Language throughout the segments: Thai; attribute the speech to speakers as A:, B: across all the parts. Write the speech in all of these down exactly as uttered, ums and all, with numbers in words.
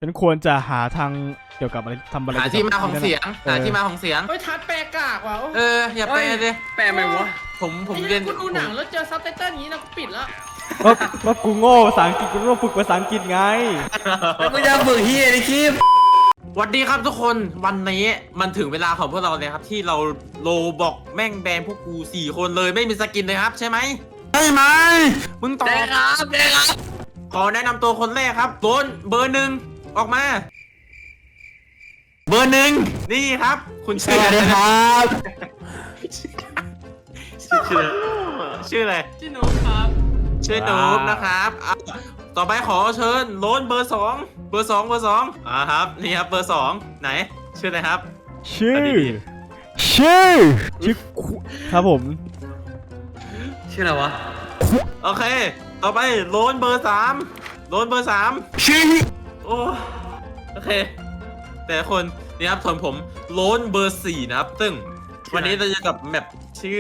A: ฉันควรจะหาทางเกี่ยวกับอะไรทำอะไร
B: หาที่มาของเสียงหาที่มาของเสียง
C: เฮ้ยทัดแปลกากว่ะ
B: เอออย่าแปลเลย
D: แปลไหมวะ
B: ผมผม
C: ไอ้
B: เรียน
C: กูดูหนังแล้วเจอซับไตเติ้ลอย่างนี้นะกูปิดแล้ว
A: ก็ก็กูโง่ภาษาอังกฤษกูต้องฝึกภาษาอังกฤษไง
D: มึงจะฝึกเฮียในคลิป
B: สวัสดีครับทุกคนวันนี้มันถึงเวลาของพวกเราเลยครับที่เราโลบอกแม่งแบนพวกกูสี่คนเลยไม่มีสกินเลยครับใช่ไหมใช่ไหมมึงตอบ
D: ได้ครับได้ครับ
B: ขอแนะนำตัวคนแรกครับโดนเบอร์หนึ่งออกมา เบอร์หนึ่งนี่ครับ คุณชื่ออะไรครับชื่อชื่ออะไร
C: ชื่อนุ๊กครับ
B: ชื่อนูบนะครับอ่ะต่อไปขอเชิญโลนเบอร์สองเบอร์สองเบอร์สองอ่าครับนี่ครับเบอร์สองไหนชื่ออะไรครับ
A: ชื่อ
B: เอาดี
A: ชื่อชื่อคุครับผม
D: ชื่ออะไรวะ
B: โอเค ต่อไปโลนเบอร์สามโลนเบอร์สาม
D: ชื่อ
B: โอ้โอเค แต่ละคนนี่ครับส่วนผมโลนเบอร์สี่นะครับซึ่งวันนี้เราจะกับแมปชื่อ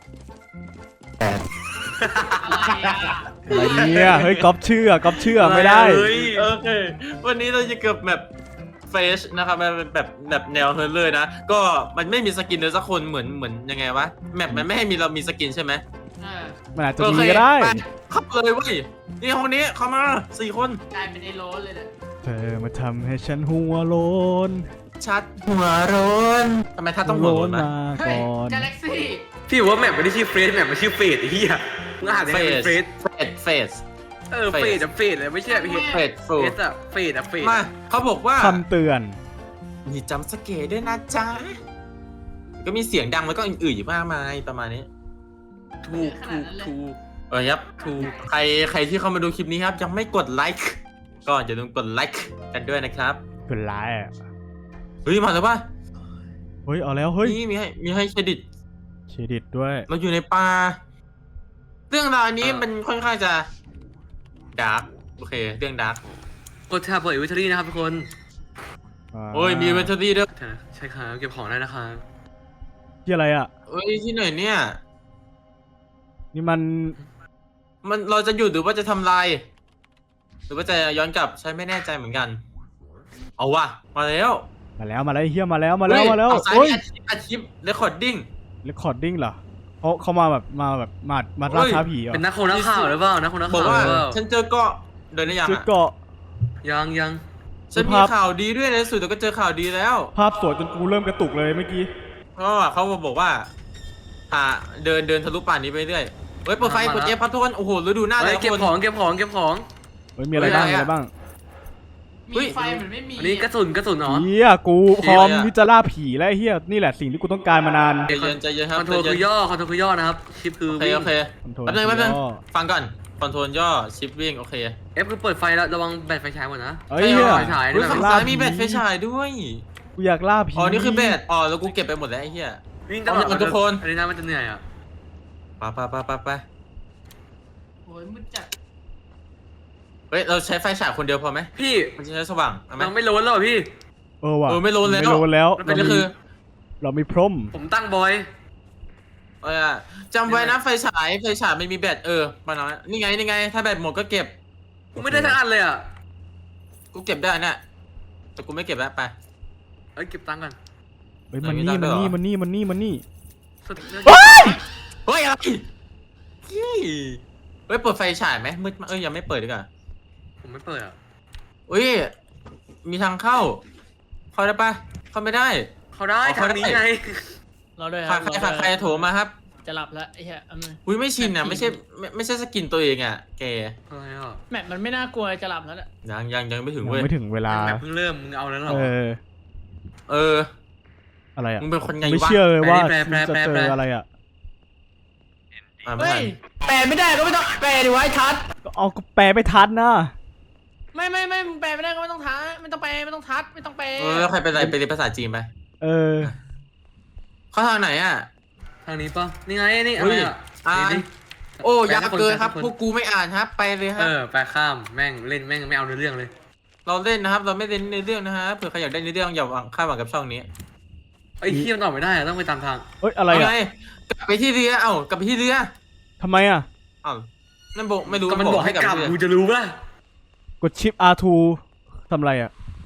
C: อะไรอ่ะ
A: อะไรเนี่ยเฮ้ยก๊อปชื่อก๊อปชื่อไม่ได้
B: เฮ้ยโอเค วันนี้เราจะเกือบแบบเฟชนะครับมันเป็นแบบแบบแนวเฮอร์เลยนะ ก็มันไม่มีสกินเลยสักคนเหมือนเหมือนยังไงวะแมปมันไม่ให้มีเรามีสกินใช่ไหม
C: เออ
A: มันอาจจะ
B: โอ
A: มี
B: เค
A: ก็ได้
B: ปเข้าเลยเว้ยนี่ห้องนี้เข้ามาสี่คน
C: กลายเป็นไอ้โรสเลยเนี่ย
A: เธอมาทำให้ฉันหัวโลน
B: ชัดหัวร้อนทำไมถ้าต้องหัวร้อน
A: มา
C: เฮ้ย
A: ก่อน
C: กาแล็กซี่
D: พี่ว่าแมปมันไม่ชื่อเฟสแมปมันชื่อเฟสไอ้เหี้ยมึงอ่านได้
B: เฟ
D: เป็น
B: ส
D: เฟส
B: เฟสเฟส
D: เออเฟสอะเฟสเลยไม่ใช่เฟส
B: เฟสฟู
D: เฟสอะเฟสอะเฟส
B: มาเขาบอกว่า
A: คำเตือน
B: มีจำสเกตด้วยนะจ๊ะก็มีเสียงดังแล้วก็อื่นๆอยู่มากมายประมาณนี้
D: ถูกถูกถูก
B: เออครับถูกใครใครที่เข้ามาดูคลิปนี้ครับยังไม่กดไลค์ก็อย่าลืมกดไลค์กันด้วยนะครับ
A: เป็นร้ายอ่ะ
B: เฮ้ยมาแล้วป่ะ
A: เฮ้ยเอาแล้วเฮ้ย
B: นี่มีให้มีให้เครดิต
A: เครดิตด้วย
B: เราอยู่ในป่าเรื่องราวนี้มันค่อนข้างจะดาร์กโอเคเรื่องดาร์ก
D: กดแท็บเปิดอินเวนทอรี่นะครับทุกคน
B: โอ้ยมีเวนทอรี่ด้วย
D: ใช่ครับเก็บของได้นะครับ
A: ที่อะไรอ่ะ
B: เอ้ยที่ไหนเนี่ย
A: นี่มัน
B: มันเราจะหยุดหรือว่าจะทำลายหรือว่าจะย้อนกลับใช้ไม่แน่ใจเหมือนกัน เอาว่ะมาแล้ว
A: มาแล้วมาแล้วเฮียมาแล้วมาแล้วมาแล้ว
B: เฮ้ยเอาซ้าย
A: โอ้ย
B: มีอาชีพเรคคอร์ดดิ้ง
A: เรคคอร์ดดิ้งเหรอเขาเขามาแบบมาแบบมามาล่าท้าผีเหรอ
D: เป็นนักโคนักข่าวหรือเปล่านักโคนัก
B: บอ
D: ข่าก ว
B: ว่า
D: หรือเปล่า
B: ฉันเจอเกาะเดินได้ยัง
A: ชื่อ
B: อ่ะ
A: เกาะ
D: ยังยัง
B: ฉันมีข่าวดีด้วยในสุดแต่ก็เจอข่าวดีแล้ว
A: ภาพสวยจนกูเริ่มกระตุกเลยเมื่อกี้
B: เพราะว่าเขาบอกว่าอ่าเดินเดินทะลุป่านนี้ไปเรื่อยเฮ้ยเปิดไฟกดเอฟพัททุกคนโอ้โหฤดูหน้า
D: เฮ้
B: เลย ย
D: เก็บ
B: คน
D: ของเก็บของเก็บของ
A: เฮ้ยมีอะไรบ้างมีอะไรบ้าง
B: เฮ้
C: มี
B: ย
C: ไฟเหมือนไม่มี
D: อันนี้กระสุนกระสุนเหรอ
A: เฮียกูพร้อมที่จะล่าผีแล้วเฮียนี่แหละสิ่งที่กูต้องการมานาน
B: ใจเย็นใจเย็นค
D: ครับ อนโทรล
B: ใจ
D: คื
B: เย็น
D: อย่อคอนโทรลคือย่อนะครับชิปคือ
B: โอเค
D: วิ่ง
B: โอเค
A: คอนโทรล
B: แป๊บนึงแป๊บนึง
A: ย่อ
B: ฟังก่อนคอนโทรลย่อชิปวิ่งโอเค
D: เอฟคือเปิดไฟแล้วระวังแบตไฟฉายหมดนะ
A: เฮ้ยเฮีย
D: ไฟฉาย
B: เฮ้ย
D: ด้วย
B: ฝั่งซ้ายมีแบตไฟฉายด้วย
A: กูอยากล่าผี
B: อ๋อนี่คือแบตอ๋อแล้วกูเก็บไปหมดแล้วไอ้เหี้ย
D: วิ่งตลอด
B: เอาทุกคน
D: อันนี้น่ามันจะเหนื่อยอ่ะ
B: ไปไปไปไปไป
C: โอ้ยมืดจัด
B: เฮ้ยเราใช้ไฟฉายคนเดียวพอไหม
D: พี่
B: มันจะใช้สว่างเอาไหม
D: มันไม่โล้นแล้วเหรอพี่
A: เออว่ะ
B: เออไม่โลนแล้ว
A: ไม่โลนแล้ว
D: มัน
B: เป็
D: เป็น น
B: ก็คือ
A: เรามีพร่ม
D: ผมตั้งบอย
B: เออจำไว้นะไฟฉายไฟฉายไม่มีแบตเออมาหน่อยนี่ไงนี่ไง ถ้าแบตหมดก็เก็บ
D: กูไม่ได้ทั้งอันเลยอ่ะ
B: กูเก็บได้เนี่ยแต่กูไม่เก็บแล้วไป
D: เอ้ยเก็บตังค์กัน
A: เฮ้ยมัน
B: ไม่
A: นี่
B: ได้
A: มัน
B: เหรอ
A: นี่มันนี่มันนี่มันนี่
D: สุด
B: เฮ้ยอะไรเฮ้ยเฮ้ยเปิดไฟฉายไหมมืดมากเอ้ยยังไม่เปิดดีกว่า
D: ผมไม่เปิดอ่ะ
B: อุ้ยมีทางเข้า เข้าได้ปะเข้าไม่ได้
D: เขาได้
B: อ๋อ
D: ทางนี้ไง
C: เราด้วย
B: ใครใครใครใครโทรมาครับ
C: จะหลับแล้วไอ้เหี้ยเอามือ
B: อุ้ยไม่ชินอ่ะไม่ใช่ไม่ไม่ใช่สกินตัวเองอ่ะแก
D: อะไรอ่ะ
C: แมปมันไม่น่ากลัวจะหลับแล้วเนี่ย
B: ยังยังยังไม่ถึง
A: ยัง
B: เว้ย
A: ไม่ถึงเวลา
D: แบบเพิ่งเริ่มมึงเอาแล้วเหรอ
A: เออ
B: เออ
A: อะไรอ่ะ
B: มึงเป็นคนไง
A: ไม่
B: วะ
A: เชื่อเลยว่า
D: แปลแปล
A: จะ
D: แปล
A: เจ
D: แปล
A: ออะไรอ่ะ
B: อ่ะไม่
C: เฮ้ย
B: ทัน
C: แปลไม่ได้ก็ไม่ต้องแปลดิวะไอ้ทัด
A: ก็เอาก็แปลไม่ทันนะ
C: ไม่ไม่ไม่มึงแปลไม่ได้ก็ไม่ต้องทัดไม่ต้องแปลไม่ต้องทัดไม่ต้องแปล
B: เออแล้วใครเป็นไรไปเรียนภาษาจีนไป
A: เออ
B: เข้าทางไหนอ่ะ
D: ทางนี้ปะนี่ไงนี่อะ
B: เฮ้
D: ไร
B: ย
D: อ่ะ
B: อ่าน
D: นี่
B: โอ้
D: แปล
B: ยาก
D: ให้คน
B: เกินครับ
D: แปลให้คน
B: พวกกูไม่อ่านครับ ไปเลยค
D: เอ
B: รับ
D: อไปข้ามแม่งเล่นแม่งไม่เอาเนื้อเรื่องเลย
B: เราเล่นนะครับ เราไม่เล่นในเรื่องนะฮะเผื่อใครอยากได้ในเรื่องอย่าหวังคาดหวังกับช่องนี้
D: ไอ้ขี้มันออกไม่ได้อะต้องไปตามทาง
A: เฮ้ยอะไร
B: เอา
A: อ่ะ
B: ไงกลับไปที่เรือเอ้ากลับไปที่เรือ
A: ทำไมอ่ะ
B: เอ้านั่นบอกไม่รู้
D: ก็มันบอกให้กลับ
B: ที่เรือ
D: กูจะรู้ป่ะ
A: กดชิป อาร์ ทู ทำอะไรอ่ะ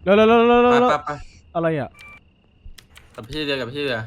A: แล้วแล้วแล้วแล้ว
B: ไป
A: แล้ว
B: ไปไป
A: อะไรอ่ะ
B: กับพี่เรือกับพี่เรือ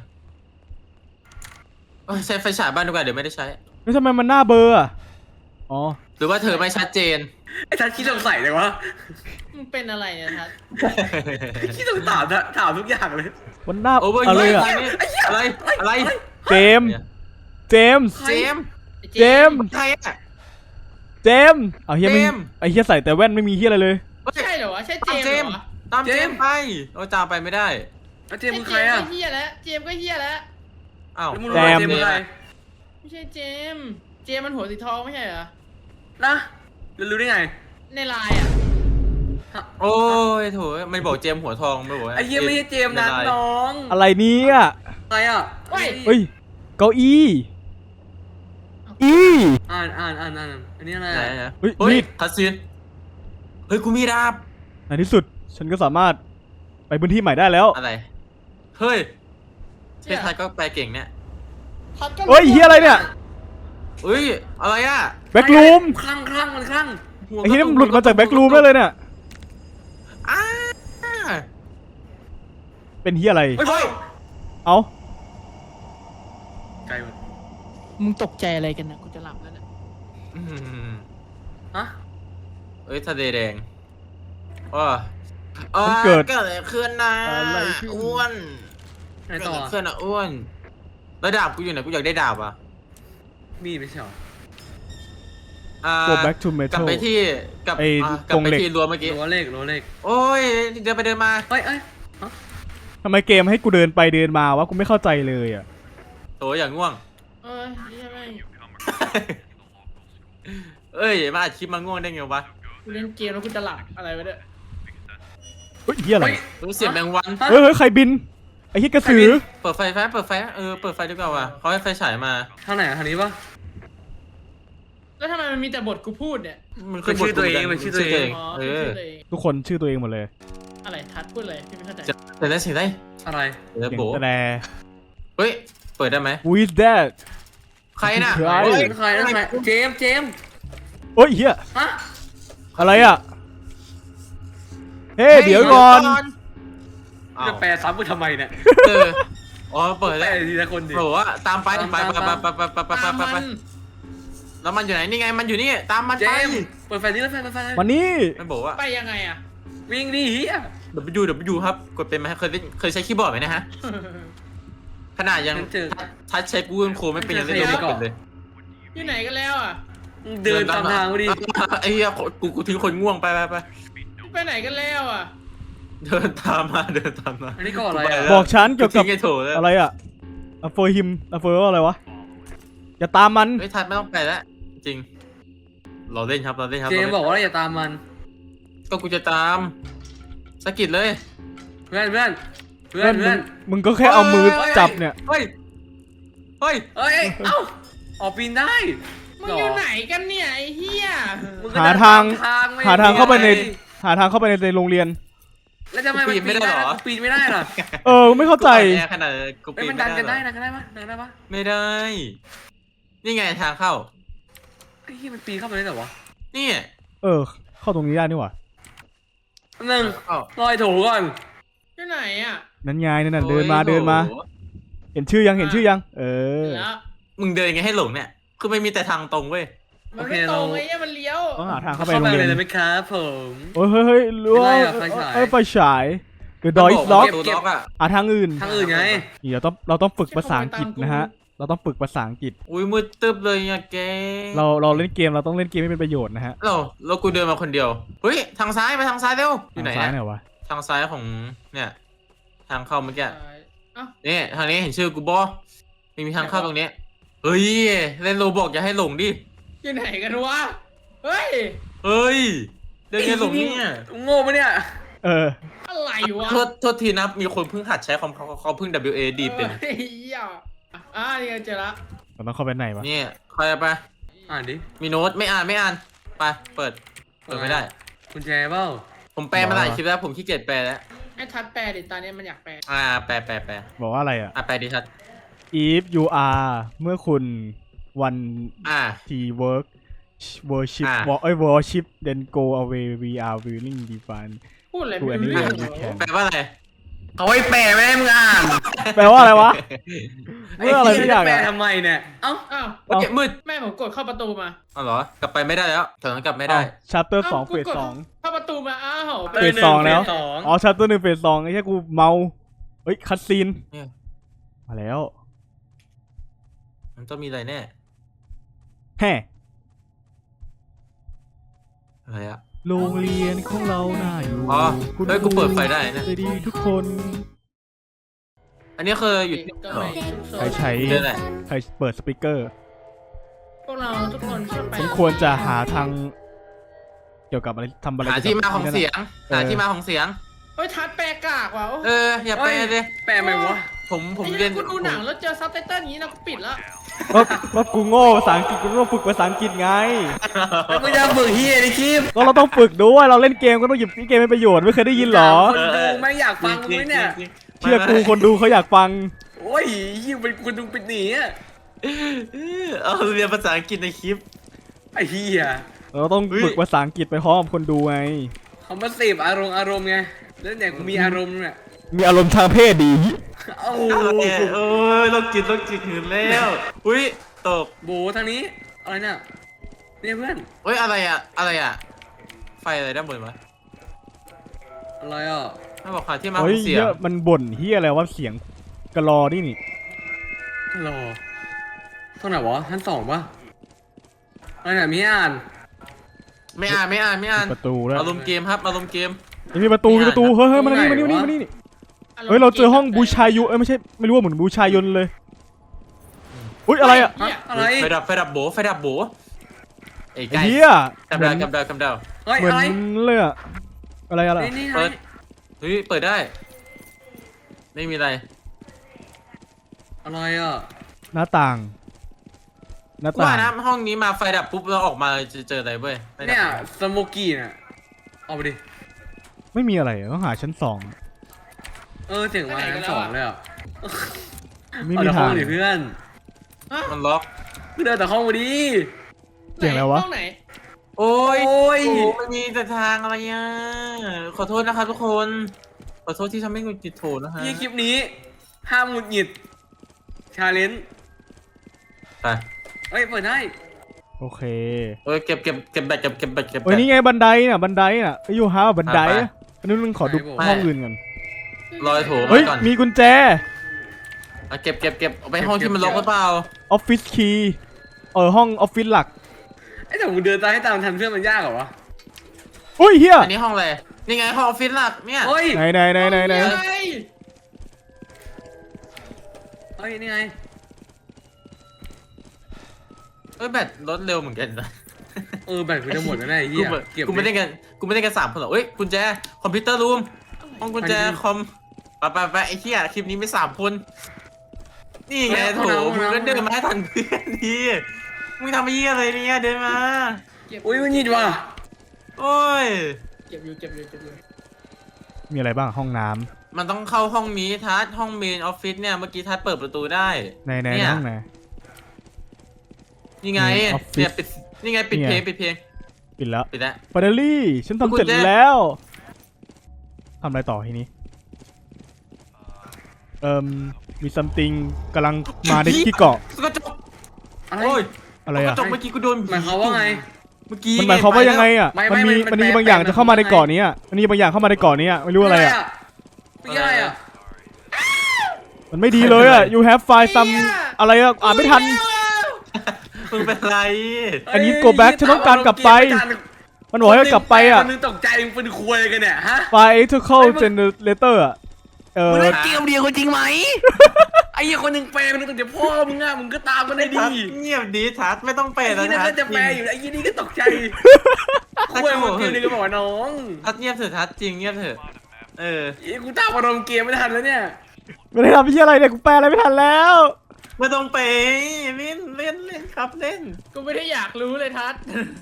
B: เอ้ยใช้ไฟฉายบ้านดีกว่าเดี๋ยวไม่ได้ใช้
A: แล้วทำไมมันหน้าเบลออ่ะอ๋อ
B: หรือว่าเธอไม่ชัดเจน
D: ไอ้ทัดขี้สงสัยเลยวะ
C: มึงเป็นอะไรเนี่ยทัศน์
D: ขี้สงสัยถามถามทุกอย่างเลย
A: มันหน้า
B: โอ้ย
A: อะไรอ่ะ
B: อะไรอะไร
A: เจมส์เจมส์
B: เจมส์
A: เจมส์
B: ใครอะ
A: เจมส์เอาเฮียไม่
B: เจมส์
A: ไอเฮียใส่แต่แว่นไม่มีเฮียอะไรเลย
C: ใช่เหรอวะใช่เจ
B: ตาม
C: ม
B: เจ
C: ส์
B: ม
C: เห
B: ส์
C: รอ
B: ตามเจมส์ไปโอ้ตามไปไม่ได้
D: แล้วเจม
C: ใช่
D: ส์
C: เจ
D: คือ
C: ม
D: ใคร
C: ส์
D: อ่ะ
C: ก็เฮียแล้วเจมส์ก็เฮียแล้ว
B: อ้าว
D: แล้วมึงรู้ว่าเจมส์คือใคร
C: ไม่ใช่เจมส์เจมส์มันหัวสีทองไม่ใช่เหรอ
D: นะแล้วรู้ได้ไง
C: ในไลน์อ่ะ
B: โอ้ยโถมันบอกเจมส์หัวทองไม่บอกว่า
D: ไอ้เหี้ยไม่ใช่เจมส์นะ
B: ไได้
D: น้อง
A: อะไรเนี่ย
D: อะไรอ่ะ
C: เฮ้ย
A: เฮ้ยเก้าอี้อี
D: อ่านอ่านอ่านอ่านอันนี้อะไร
B: ไหน
D: อะ
B: อะ
A: เฮ้ย
B: เฮ้ย
A: มีด
B: คัสซินเฮ้ยกูมีดาบ
A: ในที่สุดฉันก็สามารถไปพื้นที่ใหม่ได้แล้ว
B: อะไรเฮ้ยเทศไทยก็แปลเก่งเนี่ย
C: ทัศน์ก็
A: เฮ้ยเฮียอะไรเนี่ย
B: เฮ้ยอะไรอะ
A: แบ็กรูม
D: คลั่งคลั่งมันคลั่ง
B: หัว
A: ไอ้เฮียนี่มันหลุดมาจากแบ็กรูมได้เลยเนี่ย
B: อ้า
A: เป็นเฮียอะไร
D: เฮ้ยเฮ้ย
A: เอ้า
D: ไกลหมด
C: มึงตกใจอะไรกันนะกูจะหลับแล้วนะ
B: อืม
D: ฮะ
B: เอ้ยทะเลแดงว้า
A: มันเกิด
B: เกิดอะไรขึ้นนะ
A: อะไรขึ้น
B: อ้วน
D: ไหน
B: เกิด
D: ต่อ
B: อะไร
D: อะ
B: ขึ้นอะอ้วนแล้วดาบกูอยู่ไหนกูอยากได้ดาบอ่ะ
D: มีดไม่ใช่เหรอ
B: อ่า
A: go back to
B: กลับ
A: metal
B: ไปที่กลับ
A: ไอ้
B: อ่ะก
A: ก
B: ลับ
A: รง
B: ไป
A: เหล็ก
B: ที่รั้วเมื่อกี้
D: รั้วเลขรั้วเลข
B: โอ้ยเดินไปเดินมา
D: เฮ้ยเอ้ย
A: ทำไมเกมให้กูเดินไปเดินมาวะกูไม่เข้าใจเลยอ่ะ
B: โถอย่างง่วง
C: เอ้ยเฮียแม่ง
B: เอ้ยมาอัดคลิปมาง่วงได้ไงวะ
C: กูเล่นเกมแล้วกูจะหลับอะไรวะเนี่ย
A: เฮ้ยเฮียอะไร
D: เฮ้ย
B: รู้เสียงแมงวัน
A: เฮ้ยเฮ้ยใครบินไอ้เฮียกระสือ
B: เปิดไฟไฟเปิดไฟเออเปิดไฟดีกว่าว่ะเขาให้ไฟฉายมา
D: ทางไหนอะทางนี้ปะ
C: แล้วทำไมมันมีแต่บทกูพูดเนี่ย
B: มัน
D: เป็นชื่อตัวเองเป็นชื่อตัวเอง
C: อ๋อ
B: เอ
C: คือ
B: อ
C: ชื่อตัวเอง
A: ทุกคนชื่อตัวเองหมดเลย
C: อะไรทัศน์พูดอะไรพี่ไม่เข้าใจ
B: จะแต่ได้เสียงได้
D: อะไร
B: เดี๋ยว
A: เสียง
B: โบ
A: แต่
B: เฮ้ยเปิดได้ไหม
A: who is that
B: ใครน่ะ
A: ใคร
B: เฮ้ย
D: ใครนะใครเจมส์เจมส์
A: โอ้ยเฮีย
D: ฮะ
A: อะไรอ่ะเฮ้ยเดี๋ยวก่อน
B: อ้าว
D: จะแปลซ้ำกูทำไมเนี่ย
B: เอออ๋อเปิด
D: แปล
B: ได้
D: ทีละคนดิ
B: บอกว่าตามไปไปไปไปไปไปไปไป
C: ตาม
B: ไป
C: มั
B: ไป
C: น
B: แล้วมันอยู่ไหนนี่ไงมันอยู่นี่ตามมัน
D: เจ
B: ไป
D: มส์เปิดไฟนี้แล้วไฟเปิดไฟ
A: วันนี้
B: มันบอกว่า
C: ไปยังไงอ่ะ
D: วิ่งดิเฮีย
B: W W ครับกดเป็นไหมเคยเล่นเคยใช้คีย์บอร์ดไหมนะฮะขนาดยังทัชใช้ Google Chrome ไม่เป็นยังเล่นไม่เป็นเลย
C: อยู่ไหนกันแล้วอ่ะ
D: เดินตามทางกูดิ
B: ไอ้เหี้ยกูกูทิ้งคนง่วงไปไปไป
C: ไปไหนกันแล้วอ่ะ
B: เดินตามมาเดินตามมา
D: อันนี้ก่อนอะไร
B: ป
D: อะ
B: แล้ว
A: บอกฉันเกี่ยวกับ
B: ทิ้งไอ้โถแล้ว
A: อะไรอ่ะอะเฟอร์ฮิมอะเฟอร์ว่าอะไรวะอย่าตามมัน
B: เฮ้ยทัดไม่ต้องไปแล้วจริงเราเล่นครับเราเล่นครับ
D: เจมส์บอกว่าอย่าตามมัน
B: ก็กูจะตามสะกิดเลย
D: เพื่อนเพื่อนเพื่อ
A: เพื่อน นมึ
D: เพื่อง น
A: มึงก็แค่เอามือจับเนี่ย
B: เฮ้ยเฮ้ย
D: เอ้ยเอ้าออกปีนได้
C: มึงอยู่ไหนกันเนี่ยไอ้เหี้ย
D: มึก็
A: หา
D: เดิน
A: ทาง
D: ตมไม่
A: หาทางเข้าไปใน
D: ไง
A: หาทางเข้าไปในในโรงเรียน
D: แล้วทำไมมันปีนไม่ได้หรอปีนไม่ได้หรอ
A: เออไม่เข้าใจ
B: กูอ่อนแอขนาดกู
D: เอ้ย
B: ปี
D: มัน นดันกันได้
B: หรอ
D: ดันกันได้ปะดันกันได้ปะ
B: ไม่ได้ นี่ไงทางเข้า
D: ไอ้ที่มันปีนเข้าไปได้เหรอวะ
B: นี่
A: เออ เข้าตรงนี้ได้นี่หว่า
D: หนึ่ง
B: เอ้า
D: ลอยถูก่อน
C: อยู่ไหนอ่ะ
A: นั่นไงนั่นน่ะเดินมา
B: โอ้ย
A: เดินมา
B: โห
A: เห็นชื่อยังเห็นชื่อยัง เออ
C: แล้ว
B: มึงเดินไงให้หลงเนี่ย คือไม่มีแต่ทางตรงเว้ย
C: มันไม่ตรงไอ้เนี่ยมันเลี้ยว
A: ต้องหาทางเข้าไป
D: เข้า
A: โร
D: ไป
A: งเรีย
D: เลย
A: น
D: ได้ไหมครับผม
A: โอ้ยเฮ้ยเฮ้ยรู้ว่า
D: ไม่ได้อะไฟฉาย
A: เอ้ยไฟฉาย The door is
B: มัน
A: locked
B: ประตูล็อกอะ
A: อ่ะทางอื่น
D: ทางอื่นไง
A: นี่เราต้องเราต้องฝึกภาษาอังกฤษนะฮะ เราต้องฝึกภาษาอังกฤษ
B: อุ้ยมืดตึ๊บเลยอะแก
A: เราเราเล่นเกมเราต้องเล่นเกมให้เป็นประโยชน์นะฮะ
B: เราเรากูเดินมาคนเดียว เฮ้ย ทางซ้ายไปทางซ้ายเร็ว อยู่ไหน
A: ทางซ้าย
B: อะ
A: ไหนวะ
B: ทางซ้ายของเนี่ย ทางเข้าเมื่อกี้
C: เอ้า
B: นี่ทางนี้เห็นชื่อกูบอมีมีทางเข้าตรงนี้ เฮ้ย เล่นโรบอกอย่าให้หลงดิ
C: อยู่ไหนกันวะเฮ้ย
B: เฮ้ย เดินไงหลงเนี่ย
D: โง่ปะเนี่ย
A: เออ
C: อะไรวะ
B: โทษโทษทีนะ มีคนเพิ่งหัดใช้คอมเขาเขาเพิ่ง W A D เป็น
C: เฮ้ยอ่ะอ่านี่ไงเจอละ
A: เราต้องเข้าไปไหนวะ
B: นี่ใครเอาไป
D: อ่านดิ
B: มีโน้ตไม่อ่านไม่อ่าน ไป เปิด เปิดไม่ได้
D: กุญแจเปล่า
B: ผมแปลมาหลายคลิปแล้ว ผมขี้เกียจแปลแล้ว
C: ไอ้ทัดแปลดิตอนนี้มันอยากแปล
B: อ่า แปลแปลแปล
A: บอกว่าอะไรอ่ะ
B: อ่ะแปลดิชัด
A: if you are เมื่อคุณ one
B: อ่า
A: t work worship
B: อ่ะ
A: wo- เอ้ย worship then go away we are willing divine
C: พูดอะไร
A: กู
C: ไม่
A: อันนี้
C: รู้
A: เรี
C: เรื่
A: ย
C: อน ง
A: แคม
B: แปลว่าอะไร
D: เอาไว้แปลไม่ให้มึงอ่าน
A: แปลว่าอะไรวะเมื่ออะไรไม่อยาก
D: แปล
A: อะ
D: ทำไมเนี่ยเอ้า
C: อ้าว
B: โอเคมืด
C: แม่ผมกดเข้าประตูมา
B: อ๋อเหรอกลับไปไม่ได้แล้วแถวนั้นกลับไม่ได้
A: ชัตเตอร์สอง
C: าว
A: เฟส
C: กูกด
A: สอง
C: เข้าประตูมาอ้าว
A: เฟสสองแล้ว
D: เฟสสอง
A: อ๋อชัตเตอร์หนึ่งเฟสสองไอ้แค่กูเมาเฮ้ยคัตซีน
B: เนี่ย
A: มาแล้ว
B: มันต้องมีอะไรแน่
A: แฮ่
B: อะไรอะ
A: โรงเรียนของเราน่าอยู่
B: อ๋อเฮ้ยกูเปิดไฟได้นะ
A: ใจดีทุกคน
B: อันนี้คืออยู่ที่
C: ก็
B: เหรอ
C: ไม่ชุกโซ
A: ใคร
C: น
A: ใช้
B: เรื่องอะไร
A: ใครเปิดสปีกเกอร์
C: พวกเราทุกคนช่วยไป
A: ฉันควรจะหาทาง เกี่ยวกับอะไรทำอะไร
B: หาที่มาของเสียง
A: เออ
B: หาที่มาของเสียง
C: เฮ้ยทัดแปลกากว่ะโอ้
B: เอออย่าแปลเลย
D: แปลไหมวะ
B: ผมผม
C: ไอ้
B: เรียน
C: กูดูหนังแล้วเจอซับไตเติ้ลอย่างนี้นะกูปิดละ
A: ก็ก็กูโง่ภาษาอังกฤษกูต้องฝึกภาษาอังกฤษไง
D: แล้วมึงจะฝึกเฮียดิคลิป
A: ก็เราต้องฝึกด้วยเราเล่นเกมก็ต้องหยิบเกมเป็นประโยชน์ไม่เคยได้ยินเหรอ
D: คนดูไม่อยากฟังมึงไหมเนี่ย
A: เชื่อกูคนดูเขาอยากฟัง
D: โอ้ยยิ่งเป็นคนดูเป็นหนีอ่ะ
B: เอาเรียนภาษาอังกฤษในคลิป
D: ไอ้เฮีย
A: เราต้องฝึกภาษาอังกฤษไปพร้อมกับคนดูไง
D: เขามาเสพอารมณ์อารมณ์ไงแล้วเนี่ยกูมีอารมณ์เนี่ย
A: มีอารมณ์ทางเพศดี
D: เอ้า
B: โอ้ยโรคจิตโรคจิตหืนแล้วอุ้ยตก
D: โบทางนี้อะไรเนี่ยเนี่ยเพื่อน
B: เฮ้ยอะไรอะอะไรอะไฟอะไรด้านบนวะ
D: อะไรอ่ะ
B: ถ้าบอกหาที่มาข
A: เฮ้
B: อย งเสีย
A: เย
B: ง
A: อะมันบ่นเฮียอะไรว่าเสียงกระลอนี่นี่
D: รอเท่าไหร่วะชั้นสองปะอะไรเนี่ยมีอ่าน
B: ไม่อ่านไม่อ่านไม่อ่าน
A: ประตูแล้ว
B: อารมณ์เกมครับอารมณ์เกม
A: มีประตูมีประตูเฮ้ยเฮ้ยมานี่มานี่มานี่มานี่เฮ้ยเราเจอห้องบูชายุเอ้ยไม่ใช่ไม่รู้ว่าเหมือนบูชายนเลยอุ้ยอะไรอ่ะ
C: เหี้ย
D: อะไร
B: ไฟดับไฟดับโบไฟดับโบไอ้
A: ไอ้
B: ไก่
A: เฮีย
B: กำ
A: เหมื
B: ดา
A: อ
B: วน กำดาวกำดาว
D: เฮ้ย
A: เหมือน
D: อะไร
A: เลยอะอะไรอะไร
D: นี่นี่
B: เปิ
D: ไง
B: ด เฮ้ยเปิดได้ ไม่มีอะไร
D: อะไรอ่ะ
A: หน้าต่าง หน้า
B: กู
A: ต่า
B: ว่าง นะห้องนี้มาไฟดับปุ๊บเราออกมาจะเจออะไรเว้ยไฟดับ
D: เนี่ยสโมกี้เนี่ยเอาไปดิ
A: ไม่มีอะไรต้องหาชั้นสอง
D: เออเสียงมาชั้นสองเลยอ่ะ
A: ไม่
D: เอา
A: มี
D: แต่ห้
A: ทา
D: อง งดิเพื่อน
B: มันล็อก
D: ก็เดินแต่ห้องมาดิ
A: เสียงอะไรวะ
C: ห้องไหน
B: โอ้ย
D: โอ้ย
B: โอ้ไม่มีแต่ทางอะไรอ่ะขอโทษนะครับทุกคน ขอโทษที่ทำให้หงุดหงิดโถนะฮะ
D: ที่คลิปนี้ห้ามหงุดหงิดชาเลนจ์
B: ไป
D: เอ้ยเปิดได้
A: โอเค
B: เออเก็บเก็บเก็บแบตเก็บเก็บแบตเก็บแบ
A: เอ้ย
B: ต
A: นี่ไงบันไดน่ะบันไดน่ะไอ้ยูฮาบันไดอะอันนี้มึงขอดูห้องอื่นก่อน
B: รอยโถ
A: เฮ้ย
B: ก่อน
A: มีกุญแจ
B: อ่ะเก็บเก็บเก็บเอาไปห้องที่มันล็อกหรือเปล่า
A: ออฟฟิศคีย์เออห้องออฟฟิศหลัก
D: ไอ้แต่มึงเดินตามให้ตามทันเพื่อนมันยากเหรอวะ
A: อุ้ยเฮีย
B: อันนี้ห้องอะไรนี่ไงห้องออฟฟิศหลักเนี่ย
D: เฮ้ย
A: ไหนไหนไหนไหนไหน
C: ห้องไง
D: เฮ้ยนี่ไง
B: เอ้ยแบตลดเร็วเหมือนกันนะ
D: เออแบตกูจะหมดแล้วนะไอ้เหี้
B: กู
D: ย
B: ไม่
D: เก็บ
B: กูไม่ได้กันกูไม่ได้กันสามคนหรอกเอ้ยกุญแจคอมพิวเตอร์รูมห้องกุญแจคอมไปไปไปไอ้เหี้ยคลิปนี้ไม่สามคนนี่ไงโถมึงก็เดินมาให้ทันเพื่อนดีมึงทำไอ้เหี้ยอะไรเนี่ยเดินมา
C: เก็บ
D: อุ้ยมันหงิดว่ะ
B: โอ้ย
C: เก็บอยู่เก็บอยู่เก็บอยู่
A: มีอะไรบ้างห้องน้ำ
B: มันต้องเข้าห้องนี้ทัดห้องเมนออฟฟิศเนี่ยเมื่อกี้ทัดเปิดประตูได้
A: ในใน
B: เนี่ย
A: ห้องไหน
B: นี่ไง
A: Main office
B: เนี่ยปิดนี่ไงปิด
A: นี่
B: เพ
A: ไง
B: ลงปิดเพลง
A: ปิดแล้ว
B: ปิดแล้ว
A: ปาเดลี่ฉันทำเสร็จ
B: กุญแจ
A: แล้วทำอะไรต่อทีนี้เอ่มมีซัมติงกำลังมาในที่เกาะ
B: กระจก
D: อะไร
B: โอ้ย
A: อะไร
B: ก
A: อ่ะ
B: ระจกเมื่อกี้กูโดน
D: หมายความว่าไง
B: เมื่อกี้
A: มันหมายความว่ายังไงอ่ะ
D: ไม่
A: มัน
D: ไม่
A: มี
D: มัน
A: มันมี
D: แปล
A: บางอย่าง
D: แปล
A: จะเข้ามาใน
D: มัน
A: เกาะนี้อ่ะมันมีบางอย่างเข้ามาในเกาะนี้อ่ะไม่รู้อะไรอ่ะ
D: ไม่ใช่อะไรอ่ะ
A: มันไม่ดีเลยอ่ะ you have find some อะไรอ่ะอ่านไม่ทัน
B: มึงเป็นไร
A: อันนี้ go back ฉันต้องการกลับไป มันบอกให้กลับไปอ่ะ
D: คนนึงตกใจมึงเป็นควยกันเนี่ยฮะ
A: find ethical generator อ่ะเออ
D: มึงเล่นเกมเดียวกันจริงไหม ไอ้เหี้ยคนหนึ่งแปลคนหนึงตกใจพ่อมึงอ่ะมึงก็ตามมันได้ดี
B: ทัดเงียบดีทัดไม่ต้องเป
D: ไอ้
B: ย์แล้ว
D: นี่นั่น
B: ทั
D: ก็
B: ด
D: จะแปลอยู่ไอ้ยี่นี่ก็ตกใจควยมึงเกมนึงก็บอกว่าน้อง
B: ทัดเงียบเถอะทัดจริงเงียบเถอะเออ
D: ไอ้กูตามอารมณ์เกมไม่ทันแล้วเนี่ย
A: ไม่ได้ทำพี่อะไรเนี่ยกูแปลอะไรไม่ทันแล้ว
B: ไม่ต้องเปย์เล่นเล่นเล่นครับเล่น
C: กูไม่ได้อยากรู้เลยทัด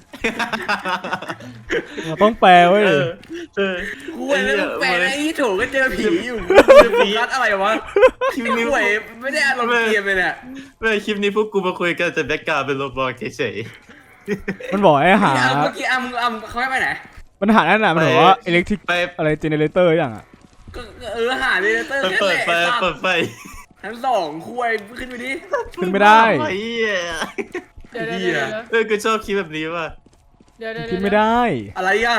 A: เราต้องแปลเว้ย
B: เออเออ
D: ควยแล้วมึงแปลไอ้ยี่โถก็เจอผีอยู่ผีรัดอะไรวะ
B: คลิป
D: ค
B: นี้
D: วยไม่ได้อารมณ์เกมเลยเนี่ย
B: เมื่อคลิปนี้พวกกูมาคุยกันแต่แบ็กกราวด์เป็นโรบอทเฉย
A: มันบอกให้หา
D: เมื่อกี้อ่ะมึงอ่ะมึงเขาให้ไปไหน
A: ปัญหานั่นน่ะมันบอกว่าอิเล็กทริก
B: ไป
A: อะไรเจเนเรเตอร์อย่างอ่ะ
D: ก็เออหาเดเตอร์
B: ไป
D: แค่
B: เปิด
D: แหละ
B: ไฟเปิดไฟ
D: ชั้นสองคุยขึ้นไปดิ
A: ขึ้นไม่ได้
B: ไอ้เหี้ย
C: เดี๋ยวเดี๋ยวเดี๋ยว
B: เออกูชอบคิดแบบนี้ว่ะ
C: เดี๋ยวเดี๋ยว
A: ขึ้นไม่ได้
D: อะไรอ่ะ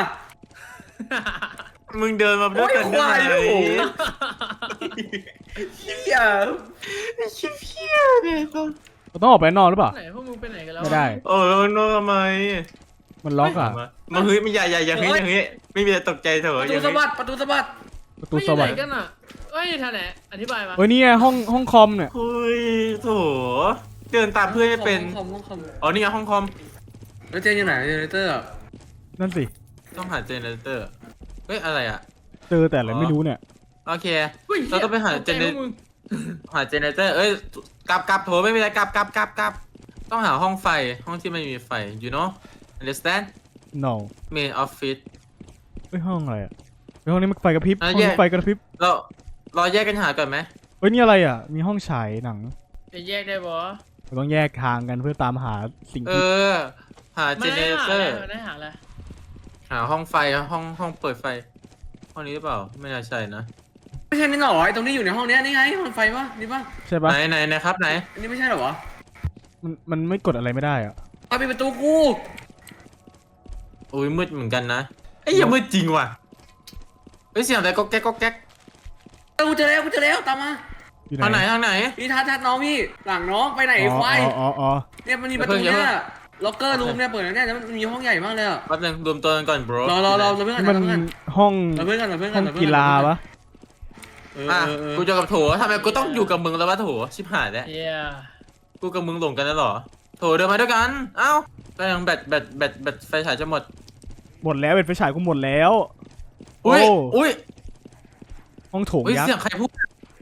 B: มึงเดินมาด้วยกัน
D: โอ้ยควาย
B: ได้
D: โอ้
B: ไง
D: โห เฮีย
B: ไอ้ชิบเหี้ยเนี่ยต้อง
A: เราต้องออกไปนอกหรือเปล่า
C: ไหนพวกมึงไปไหนกันแล้ว
A: ไม่ได้
B: โอ้แล้วมันทำไม
A: มันล็อกอ่ะ
B: มาเฮ้ยไม่อย่าอย่าอย่าเฮ้ยอย่าเฮ้ยไม่มีอะไรตกใจเถ
D: ป
B: อะ
D: ระ
B: อ
D: ตู
B: ย่า
D: สะ
B: เฮ้ย
D: บัดประตูสะบัด
A: ประตู
C: ไม่อ
A: ส
C: ยู่ไห
A: วร
C: น
A: รค์
C: กันอ่ะเอ้ยท่านไหนอธิบายมา
A: เฮ้ยนี่ไงห้องห้องคอมเนี่ย
B: เฮ้ยโถเดินตามเพื่อนไม่เป็น
D: ห้องคอมห้องคอม
B: อ๋อนี่ไงห้องคอม
D: แล้วเจนอยู่ไหนเจเนเรเตอร์
A: นั่นสิ
B: ต้องหาเจเนเรเตอร์เฮ้ยอะไรอ่ะ
A: เจอแต่อะไรไม่รู้เนี่ย
B: โอเค
C: ฮ้ย
B: เราต้องไปหา
C: ตก
B: เจ
C: ใจ
B: เน
C: พวกมึง
B: หาเจเนเรเตอร์เอ้ยกลับกลับโถไม่มีอะไรกลับกลับกลับกลับต้องหาห้องไฟห้องที่ไม่มีไฟ you know understand
A: no
B: main office
A: เฮ้ยห้องอะไรอ่ะเฮ้ยห้องนี้มันไฟกระพริบ
B: อ่ะ
A: ห้องนี้
B: แยก
A: ไฟกระพริบ
B: เราเราแยกกันหาก่อนไหม
A: เฮ้ยนี่อะไรอ่ะมีห้องฉายหนัง
C: จะแยกได้บ่
A: เราต้องแยกทางกันเพื่อตามหาสิ่ง
B: เอ
A: ที่
B: อ หาเจ
C: ไม่
B: เน
C: ได้
B: เร
C: หา
B: เตอ
C: อะไร
B: ร์
C: ไม่ได้หาอะไร
B: หาห้องไฟห้องห้องเปิดไฟ ห้องนี้หรือเปล่า ไม่น่าใช่นะ
D: ไม่ใช่นี่หรอไอ้ตรงนี้อยู่ในห้องเนี้ยนี่ไงห้องไฟปะนี่ปะ
A: ใช่ปะ
B: ไหนไหนไหนครับไหน
D: อันนี้ไม่ใช่หรอวะ
A: มันมันไม่กดอะไรไม่ได้อ่ะ
D: เอาปิดประตูกู
B: อุ้ยมืดเหมือนกันนะไอ้ยอย่ามืดจริงว่ะเฮ้ยเสียงอะไรก็แก๊กก็แก๊ก
D: เออกูเจอแล้วกูเจอแล้วตามมา
A: อยู่
B: ทางไหนทางไหน
D: นี่ทัดทัดน้องพี่หลังน้องไปไหน
A: อ๋อ
D: ควาย
A: อ๋ออ๋ออ๋อ
D: เนี่ยมันมีประตู
B: อย่าเพิ่ง
D: เนี่ยล็อกเกอร์รูมเนี่ยเปิดแล้วเนี่ยแล้วมันมีห้องใหญ่มากเลยอะ
B: แป๊บนึงรวมตัวกันก่อน bro
D: รอรอรอเราเพื่อน
A: นี่
D: กั
A: มัน น
D: เราเพื่อน
A: ห้อง
D: เราเพื่อนกันเราเพื่อนกั
A: ห้
D: น
A: อง
D: เราเพื่อน
A: กีฬาปะ
D: เออ
B: อ่ะ
D: เออเออ
B: กูจะกับโถทำไมกูต้องอยู่กับมึงแล้ววะโถชิบหายแล้ว
C: เย้
B: กูกับมึงหลงกันแล้วเหรอโถเดินมาด้วยกันเอ้าก็ยังแบตแบตแบตแบตไฟฉายจะหมด
A: หมดแล้วเป็นไฟฉายกูหมดแล้ว
B: อุ้ย
A: โอ้
B: อุ้ย
A: ห้องโถง
B: อุ้ย
A: ยัก
B: เสียง
A: ษ์
B: ใครพูด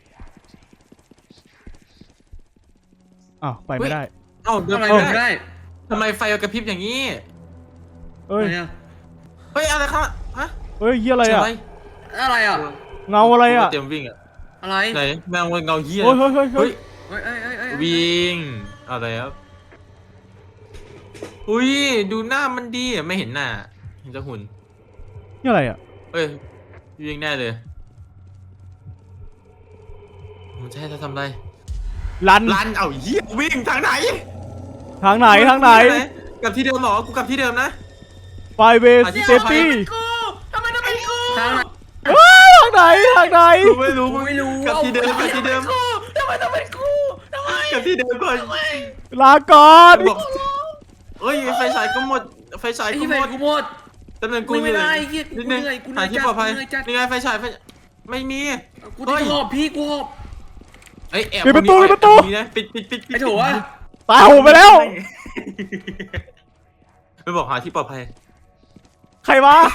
A: อ้าวไปไม่ได้
B: เอ้าเดิน
D: ทำ
B: ไป
D: ไม
B: ไม่
D: ไม่
B: ได้
D: ได้
B: ทำไมไฟกระพริบอย่างนี้
A: เอ้ย
D: อะไรอะ
B: เฮ้ยอะไรครับฮะ
A: เอ้ยเฮียอะไรอ่ะ
B: เสียง
D: อะไรอ่ะ
A: เงาอะไรอ่ะ
B: เตรียมวิ่งอะ
D: อะไร
B: ไหนแมงวันเงาเหี้ย
A: โอ้ยเฮ้ยเฮ้ยเฮ้
B: เฮ้
A: ย
B: ย
D: เอ้ยเอ้ยเอ้ยเอ้ย
B: วิ่งอะไรครับอุ้ยดูหน้ามันดีอะไม่เห็นหน้าเห็นจะหุ่น
A: นี่อะไรอ่ะ
B: เฮ้ยวิ่งแน่เลยมันจะให้เราทำอะไร
A: ลัน
B: ลันเอาเหี้ยวิ่งทางไหน
A: ทางไหนทางไหน
B: กลับที่เดิมเหรอกูกลับที่เดิมนะ
A: ไฟเวส
B: อ่ะที่
A: เซฟตี้
C: กูทำไมต้องเป็นกู
D: ทางไหน
A: ทางไหนทางไหน
B: กูไม่รู้
D: กูไม่รู้
B: กลับที่เดิมกลับที่เดิม
C: กูทำไมต้องเป็นกูทำไม
B: กลับที่เดิมก่อน
C: ทำไม
A: ลาก่อน
B: บอกเอ้ยไฟฉายก็หมดไฟฉาย
D: ไอ้
B: ก็
D: ที่
B: ห
D: ไป
B: มด
D: กูหมด
B: ตำแหน่งกู
D: ไม่
B: เหนื่
D: ได้
B: อย
D: ไอ้เหี้ยกู
B: นิดนึง
D: เหนื่อยกูเหนื่
B: หา
D: อย
B: ที่
D: จัด
B: ปลอดภัย
D: กูเหนื่อยจัด
B: นี่ไงไฟฉายไฟไม่มี
D: กูจะหอบพี่กูหอบ
B: เอ้ยแอบ
A: ปิดประตู
B: คนนี้
A: ปิดประตู
B: แอบคนนี้นะปิดปิดปิดปิด
D: ไอ้โถวะ
A: ตายหูไปแล้ว
B: ไม่บอกหาที่ปลอดภัย
A: ใครวะ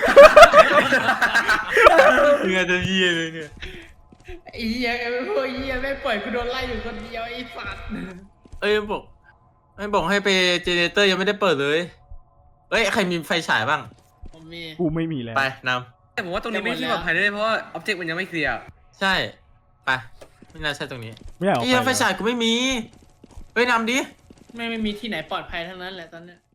B: เงื่อจะเยี่ยเลยเนี่ย
C: ไอ้เหี้ยไอ้พวกเหี้ยไม่ปล่อยกูโดนไล่อยู่คนเดียวไอ้สัตว์
B: เอ้ยบอกไม่บอกให้ไปเจเนเรเตอร์ยังไม่ได้เปิดเลยเอ้ยใครมีไฟฉายบ้าง
C: ผมมี
A: กูไม่มีแล้ว
B: ไปน
D: แต่ผมว่าตรงนี้ไม่ที่ปลอดภัยได้เพราะว่าอ็อบเจกต์มันยังไม่เคลียร์
B: ำใช่ไปไม่น่าใช่ตรงนี้
A: ไม่อยากออก
B: ไอ้
A: ไป
B: เหี้ยไฟ
A: แล้ว
B: ฉายกูไม่มีเฮ้ยนำดิ
C: ไม่ไม่มีที่ไหนปลอดภัยทั้งนั้นแหละตอนเนี้ย